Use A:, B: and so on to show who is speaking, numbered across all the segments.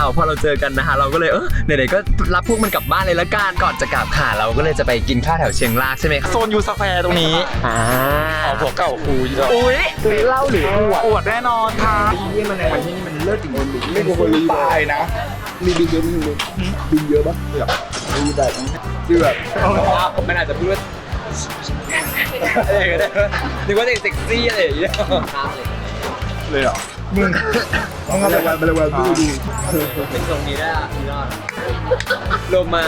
A: พอเราเจอกันนะคะเราก็เลยไหนๆก็รับพวกมันกลับบ้านเลยละกันก่อนจะกลับค่ะเราก็เลยจะไปกินข้าวแถวเชียงรากใช่ไหมคะ
B: โซนยูสแควร์ตรงนี้ผัวเก่าครู
A: อุ้ยเล่าหรือ
B: อวดแน่นอนค่ะ
C: ที่มันในวันที่นี่มันเลิศจริงๆไม่
B: เป็นคนตายนะ
C: มีบินเยอะมั้ยบินเยอะปะมีแบบคือแบบ
A: มันอาจจะพูดว่าอะไรก็ได้นึกว่าเซ็กซี่อะไรอย่างเงี้ย
B: เลยเหรอมึง
C: ต้องอะไรวันอะไรวันดู
A: เป็นทรงนี้ได้พี่ยอดโลมา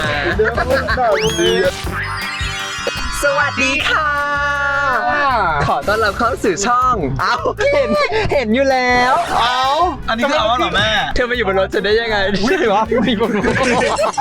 A: สวัสดีค่ะขอต้อนรับเข้าสู่ช่องเห็นอยู่แล้ว
B: อันนี้คือเอาเหรอแม่
A: เธอมาอยู่บนรถจะได้ยังไงใช่หรอมีคนรู้
C: ทุก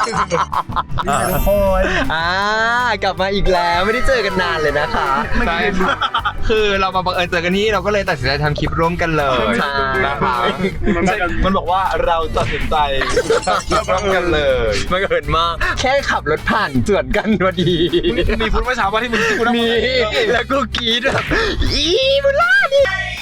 C: คน
A: กลับมาอีกแล้วไม่ได้เจอกันนานเลยนะคะ
B: ใช่คือเรามาบังเอิญเจอกันที่เราก็เลยตัดสินใจทำคลิปร่วมกันเลยนะคะมันบอกว่าเราตัดสินใจร่วมกันเลย
A: มันเกิดมากแค่ขับรถผ่านสวนกันพอดี
B: มีพูดเมื่อเช้าว่าที่มึงพูด
A: มีแล้วก็กรี๊ดแบบอีบุล่าดิ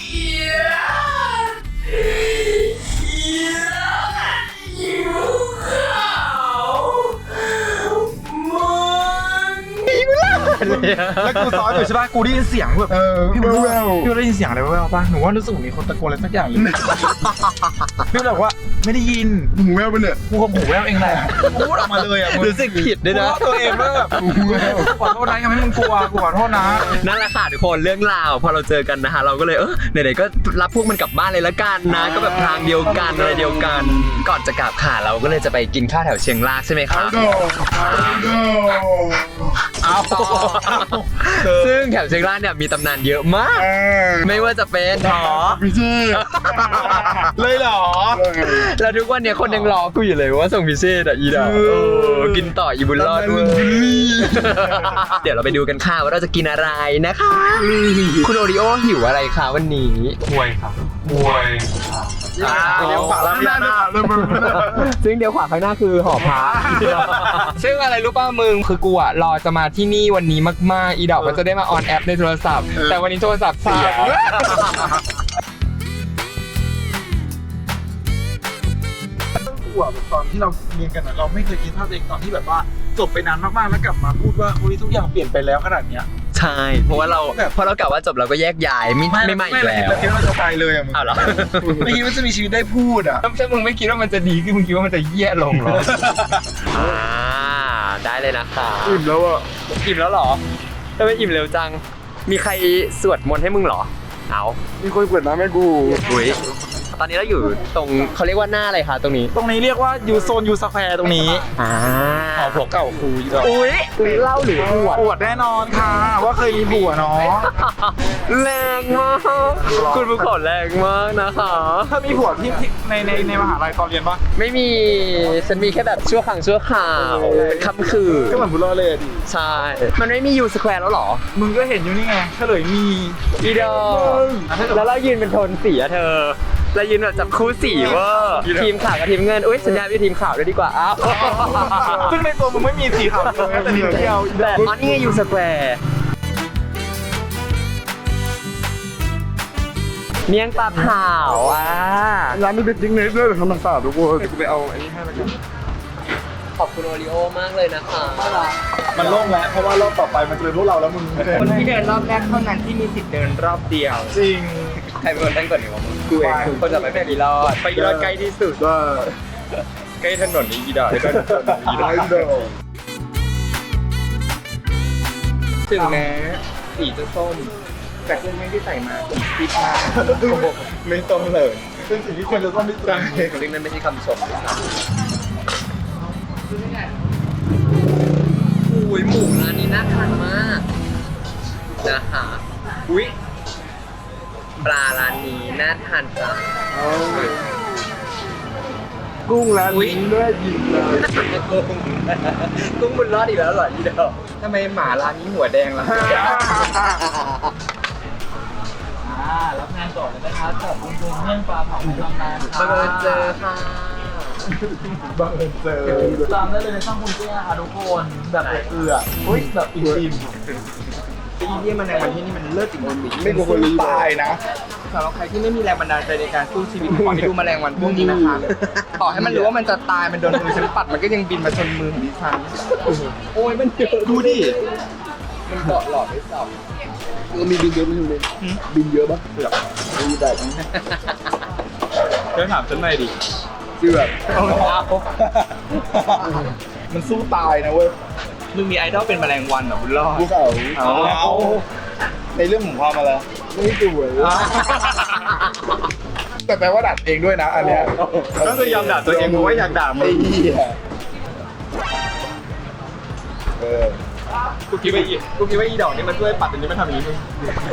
B: แล้วกูซ้อนอยู่ใช่ป่ะกูได้ยินเสียงแบบพี่ได้ยินเสียงอะไรแว่วๆป่ะหนูว่ารู้สึกมีคนตะโกนอะไรสักอย่างเลยพี่บอกว่าไม่ได้ยิน
C: หูแววไปเนี่ย
B: กูคงหูแววเองแหละพูดออกมาเลยอ่ะ
A: รู้สึกผิดด้วยนะ
B: ตัวเองว่าแบบขอโทษนะยังไม่มึงกลัวกูขอโทษนะ
A: นั่นแหละค่ะทุกคนเรื่องราวพอเราเจอกันนะคะเราก็เลยไหนๆก็รับพวกมันกลับบ้านเลยละกันนะก็แบบทางเดียวกันอะไรเดียวกันก่อนจะกลับค่ะเราก็เลยจะไปกินข้าวแถวเชียงรากใช่ไหมคะซึ่งแถวเชียงรากเนี่ยมีตำนานเยอะมากไม่ว่าจะเป็น
C: พี่เช่
B: เลยเหรอ
A: แล้วทุกวันเนี่ยคนยังรอกูอยู่เลยว่าส่งพิเศษอีดากินต่ออีบุญรอดด้วยเดี๋ยวเราไปดูกันค่ะว่าเราจะกินอะไรนะคะคุณโอริโอหิวอะไรคะวันนี้
B: มวยครับมวย
A: เดี๋ยวขวาข้างหน้าซึ่งเดี๋ยวขวาข้างหน้าคือหอพระ
B: ซึ่งอะไรรู้ป่ะมึงคือกูอ่ะรอจะมาที่นี่วันนี้มากๆอีดอกก็จะได้มาออนแอปในโทรศัพท์แต่วันนี้โทรศัพท์เสียตอนที่เราเรียนกันเราไม่เคยคิดภาพตัวเองตอนที่แบบว่าจบไปนานมากๆแล้วกลับมาพูดว่าทุกอย่างเปลี่ยนไปแล้วขนาดเนี้ย
A: ใช่เพราะเรากะว่าจบเราก็แยกย้ายไม่มาอีกแล้ว
B: คิดว่าจะตายเลยอ่ะมึง
A: อ้าวเหรอ
B: ไม่คิดว่าจะมีชีวิตได้พูดอ่ะถ้ามึงไม่คิดว่ามันจะดีขึ้นมึงคิดว่ามันจะแย่ลงหรอ
A: ได้เลยนะคะ
C: อิ่มแล้วอ่ะ
A: อิ่มแล้วหรอทำไมอิ่มเร็วจังมีใครสวดมนต์ให้มึงหรอเอา
C: มีคนเปิดน้ำให้กู
A: อุ้ยตอนนี้เราอยู่ตรงเขาเรียกว่าหน้าอะไรคะตรงนี้
B: เรียกว่าโซนยูสแควร์ตรงนี้ผัวเก่าครู
A: อุ้ยเล่าหรือ
B: อวดแน่นอนค่ะว่าเคยมีผัวเนาะ
A: แรงมากคุณผู้ขอแรงมากนะคะ
B: ถ้ามีผัวที่ในมหาลัยตอนเรียนปะ
A: ไม่มีฉันมีแค่แบบชั่วครั้งชั่วคราวเป็นคำคืน
C: ก็เหมือนบุญรอดเลยดิ
A: ใช่มันไม่มียูสแควร์แล้วหรอ
B: มึงก็เห็นอยู่นี่ไงเฉลยมี
A: อีดอแล้วเรายืนเป็นโทนสีอะเธอเรายืนแบบจับคู่สีว่าทีมข่าวกับทีมเงินอุ้ยสัญญาเป็นทีมข่าวด้วยดีกว่าอ้าว
B: ซึ่งในตัวมึงไม่มีสีขาวเลยแต่นิดเดียว
A: แบบอ๋อนี่ไงยูสแควร์เมี่ยงปลาเผา
C: ร้านนี้เป็นจริงเนสด้วยทำน้ำสาดทุกคน
B: กูไปเอาอันนี้ให้แล้วกัน
A: ขอบคุณโอริโอมากเลยนะคะ
B: มันโล่งแล้วเพราะว่ารอบต่อไปมันเจอพวกเราแล้วมึง
A: คนที่เดินรอบแรกเท่านั้นที่มีสิทธิ์เดินรอบเดียว
B: จริง
A: ใครเป็นคนตั้งก่อนดีวะมึงกูเองคนจะไปเป็นอีรอดไปอีรอดใกล้ที่สุดใกล้ถนนนี้อีดอดก็อีรอดถึงแม้สีจะส้มแต่เครื่องที่ใส่มาติดมาก
B: ไม่ต้องเลยเป็นสิ่งที่ควรจะต้องได้ใจ
A: ซึ่งนั่นไม่ใช่คำชมนะครับอุ้ยหมูร้านนี้น่าทานมากนะคะอุ้ยปลาร้านนี้น่าทานจัง
C: กุ้งร้านนี้น่ากินเลย
A: กุ้งบุญรอดอีกแล้วเหรออีเดียวทำไมหมาร้านนี้หัวแดงล่ะรับงานก่อนเลยนะครับกับบุญเมี่ยงปลาเผาตำนานบังเอิญเจอค่ะ
C: บังเอิญเจอ
B: ตามได้เลยในช่องคุณเตี้ยค่ะทุกคนแบบเอืออุ้ยแบบอิ่มไอ้เหี้ยแมลงวันที่นี่มันเลิศจริงๆ
C: ไม่กลัวคนตายนะ
B: สำหรับใครที่ไม่มีแรงบันดาลใจในการสู้ชีวิตขอให้ดูแมลงวันพวกนี้นะคะต่อให้มันรู้ว่ามันจะตายมันโดนมือฉันปัดมันก็ยังบินมาชนมือของดิฉันโอ้ยมันเยอะดูดิมันเกาะหลอดไม่สับ
C: มีบินเยอะไหมคุณเบนบินเยอะปะเสือกไม่ได้
B: เดี๋ยวถามฉันหน่อยดิ
C: เสือกมันสู้ตายนะเว้ย
B: มึงมีไอดอลเป็นแมลงวันเหรอบุญรอด
C: ภูเขา
B: เอา
C: ในเรื่องของความอะไรไม่สวยแต่แปลว่าดัดเองด้วยนะอันเนี้ย
B: ก็คือยอมด่าตัวเองเพราะว่าอยากด่ามึ
C: ไอ้
B: ง
C: เหี้ยเออ
B: กูคิดว่าอีดอกนี่มันช่วยปัดแต่นี่มันทำอย่างนี้มึง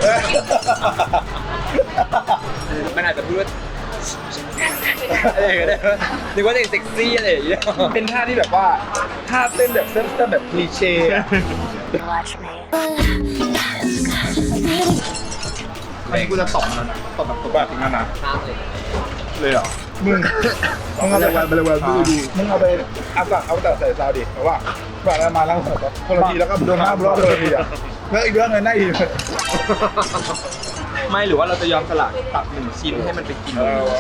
B: มันอาจจะพูดว่าอะไรก็ได้นึกว่าจะเซ็กซี่อะไรอย่างเงี้ย
C: เป็นท่าที่แบบว่าท่าเต้นแบบเต้นแบบคลีเช่อะ
B: อันนี้กูจะตบมันนะตบแบบตบแบบนั้นนะ
A: ข้ามเลย
B: เลยเหรอ
C: มึงเอาไปมึงเอาไปเอาแต่ใส่ซาวดิเพราะว่าแบบมาแล้วคนละทีแล้วก็โดนหน้าบล็อกคนละทีอ่ะแล้วอีกเรื่องเลยหน้าอีก
B: ไม่หรือว่าเราจะยอมสละตัด1 ชิ้นให้มันไปกิน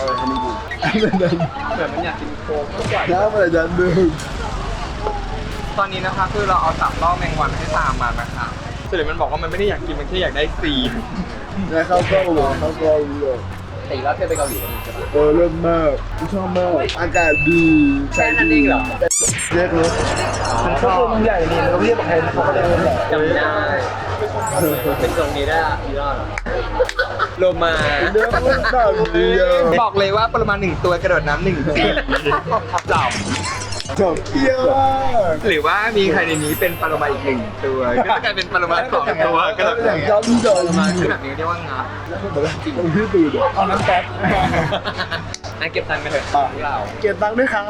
B: แบบมันอยากกินโค้กก็ปล่อย
C: น้ำอะไรจันดึง
B: ตอนนี้นะคะคือเราเอาสับล่อแมงวันให้ตามมานะคะส่วนมันบอกว่ามันไม่ได้อยากกินมันแค่อยากได้ซีน
C: แล้วเขาก็เลย
A: แต่เราเคยไปเกาหลีกันใช่ปะ
C: เริ่มมากชอบมากอากาศดี
A: แค่นั้นเองเหรอ
C: เรียกเลยมันชอบมันใหญ่นี่เราเรียกใครเขาก็ได้เลย
A: จำได้เป็นตรงนี้ได้อะพี่รอดโลมา
C: เรื่องมันแบบนี้
B: บอกเลยว่าประมาณ1 ตัวกระโดดน้ำ1 ปีจับ
C: จบเที่ยวมาก
B: หรือว่ามีใครในนี้เป็นปรมาอีก1 ตัวก็จะกลายเป็นปรมา2 ตัวก็
C: อ
B: จะ
C: ย่างย้ำจอ
B: ปร
C: มา
B: มาคือแบบนี้เรียกว่างับ
C: จริงที่ตื่นเอาน้ำแป๊บ
B: งั้นเก็บตังค์ไปเถอะพวกเรา
C: เก็บตังค์ด้วยครับ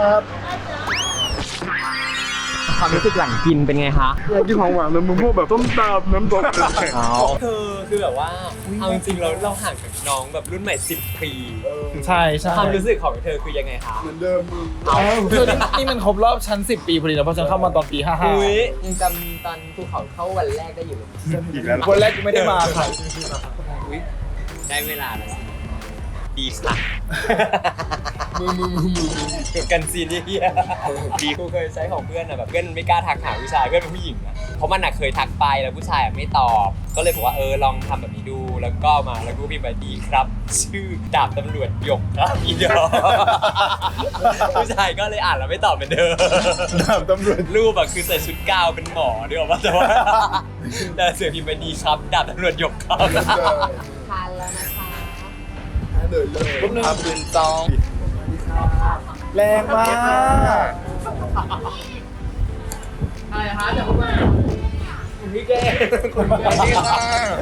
A: ความรู้สึกหลังกินเป็นไงคะ
C: อยากกินของหวานมันมึงพวกแบบต้มตำน้ำตก
A: เธอคือแบบว่าเอาจริงๆเราห่างจากน้องแบบรุ่นใหม่10 ปี
D: ใช่ใช่
A: ความรู้สึกของเธอคือยังไงคะ
C: เหมือนเดิมมึง
D: คือนี่มันครบรอบชั้น10 ปีพอดีแล้วเพราะฉันเข้ามาตอนปี
A: อุ้ยยังจำตอนภูเขาเข้าวันแรกได้อยู่เลย
C: อีกแล้ว
D: 55วันแรกกูไม่ได้มาค่ะ
A: อุ้ยได้เวลาแล้วดีค่ะจบกันซีนเฮียดีกูเคยใช้ของเพื่อนอะแบบเพื่อนไม่กล้าทักหาผู้ชายเพื่อนเป็นผู้หญิงอะเพราะมันอะเคยทักไปแล้วผู้ชายอะไม่ตอบ ก็เลยบอกว่าลองทำแบบนี้ดูแล้วก็มาแล้วกูพิมพ์ไปดีครับ ชื่อดาบตำรวจหยกครับอีดอผู้ชายก็เลยอ่านแล้วไม่ตอบเป็นเดิม
C: ดาบตำรวจ
A: รูปอะคือใส่ชุดกาวเป็นหมอด้วยว่าแต่ว่าแต่เสือพิมพ์ไปดีครับดาบตำรวจหยกครับ
E: ทานแล้วนะคะ
C: เดินเลย
B: ปุ๊บนึงปืนจอง
C: แรงมาก
E: อะไรคะเดี๋ยวเข้ามา
B: พี่เก้คุณพี่ค่ะ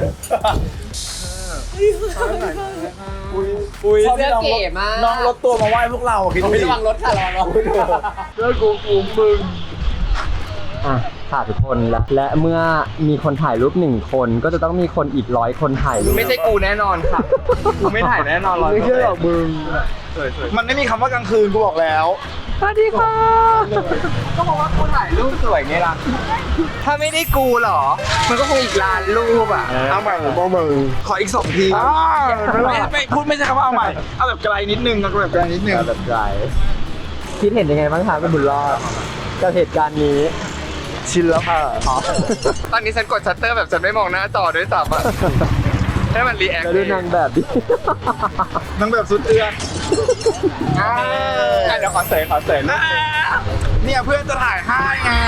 A: อุ้ย
E: เสื้อเก๋มาก
D: น้องรถตัวมาไหว้พวกเราคิดดูดิ
E: ระวังรถค่ะระวังรถ
C: เรื่องกูมึง
A: อ่ะค่ะทุกคนและเมื่อมีคนถ่ายรูป1 คนก็จะต้องมีคนอีก100 คนถ่ายรูป
B: ไม่ใช่กูแน่นอนค่ะกูไม่ถ่ายแน่นอน
C: ไม่ใช่หรอกมึง
B: มันไม่มีคำว่ากลางคืนกูบอกแล้ว
A: สวัสดีค่ะ
B: ก็บอกว่ากูถ่ายรูปสวยไงล่ะถ้าไม่ได้กูเหรอ มันก็คงอีกล้านรูปอ่ะ
C: เอาใหม่บ้องมึง
B: ขออีก2 ทีไม่พูดไม่ใช่คำว่าเอาใหม่เอาแบบไกลนิดนึงเอาแบบไกลนิดนึง
A: แบบไรคิดเห็นยังไงบ้างคะคุณบุญรอดกับเหตุการณ์นี้
C: ชินแล้วค่ะ
B: ตอนนี้ฉันกดชัตเตอร์แบบฉันไม่มองหน้าจอด้วยซ้ำอ่ะให้มันรีแอค
A: แล้วดูนางแบบดิ
C: นั่งแบบสุดเอื้อน
B: เดี๋ยวขอเสยเนี่ยเพื่อนจะถ่ายให้ไง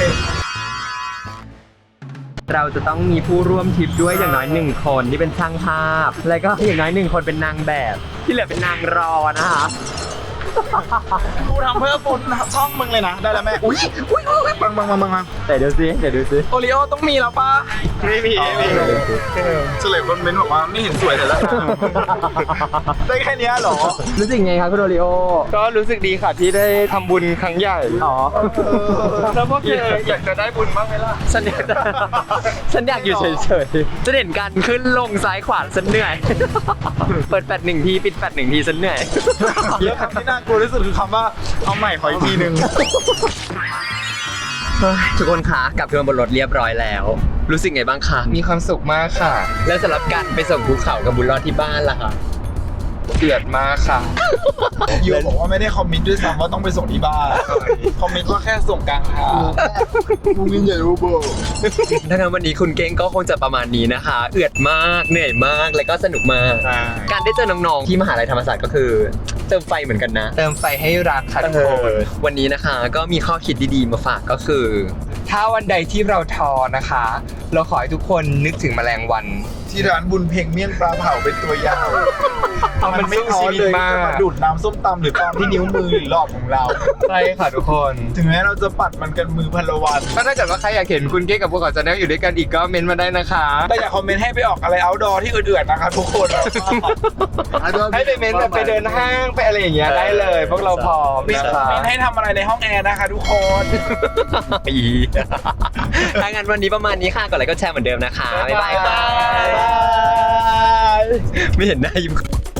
A: เราจะต้องมีผู้ร่วมทริปด้วยอย่างน้อย1 คนที่เป็นช่างภาพ แล้วก็อย่างน้อย1 คนเป็นนางแบบ ที่เหลือเป็นนางรอนะคะ
C: กูทำเพื่อปุ่นช่องมึงเลยนะ ได้แล้วแม่ อุ้ยบัง
A: แต่เดี๋ยวดูซิ
B: โอริโอต้องมีแล้วป่ะไม่มีเฉลยคนเม้นบอกว่าไม่เห็นสวยแต่ละได้แค่นี้เหรอ
A: รู้สึกไงครับคุณโอริโอ
B: ก็รู้สึกดีค่ะที่ได้ทำบุญครั้งใหญ่
A: อ๋อ
B: แล้วพวกเธออยากจะได้บุญบ้างไหมล่ะ
A: ฉันอยากอยู่เฉยๆจะเห็นการขึ้นลงซ้ายขวาฉันเหนื่อย เปิดแฟลช1 ทีปิดแฟลช1 ทีฉันเหนื่อย
C: แล้วคำที่น่ากลัวที่สุดคือคำว่าเอาใหม่ขออีกทีนึง
A: ทุกคนคะกลับขึ้นมาบนรถเรียบร้อยแล้วรู้สึกไงบ้างคะ
B: มีความสุขมากค่ะ
A: แล้วสำหรับการไปส่งภูเขากับบุญรอดที่บ้านล่ะคะ
B: เดือดมากค่ะ
C: ยูบอกว่าไม่ได้คอมมิตด้วยซ้ำว่าต้องไปส่งที่บ้านคอมมิตว่าแค่ส่งกลางทางมึงยินใหญ่โอเบอร์
A: ถ้างั้นวันนี้คุณเก้งก็คงจะประมาณนี้นะคะ เอือดมากเหนื่อยมากและก็สนุกมาก การได้เจอน้องๆที่มหาลัยธรรมศาสตร์ก็คือเติมไฟเหมือนกันนะ
B: เติมไฟให้รักค่ะทุกคน
A: วันนี้นะคะก็มีข้อคิดดีๆมาฝากก็คือ
B: ถ้าวันใดที่เราท้อนะคะ เราขอให้ทุกคนนึกถึงแมลงวัน
C: ที่ร้านบุญเพ่งเมี่ยงปลาเผาเป็นตัวยาว
B: มันไม่ท้อ
C: ชีวิต
B: เลย
C: มากมาดูดน้ำส้มตำหรือตอนที่นิ้วมือหรือหลอดของเรา
B: ใช่ค่ะทุกคน
C: ถึงแม้เราจะปัดมันกันมือพันละวัน
B: ก็ถ้าเกิดว่าใครอยากเห็นคุณเก้กับพวกเขาจะนั่งอยู่ด้วยกันอีกก็เมนต์มาได้นะคะ
C: แต่อย่าคอมเมนต์ให้ไปออกอะไรเอาท์ดอร์ที่เอื่อยๆนะคะทุกคน
B: ให้ไปเมนต์แบบไปเดินห้างไปอะไรอย่างเงี้ยได้เลย พวกเราพร้อม
C: เมน
B: นะคะ
C: ต์ให้ทำอะไรในห้องแอร์นะคะทุกคน
A: อีถ้างั้นวันนี้ประมาณนี้ค่ะกดไลค์กดแชร์เหมือนเดิมนะคะ บ๊ายบาย
C: บ๊ายบาย
A: ไม่เห็นหน้ายิ้ม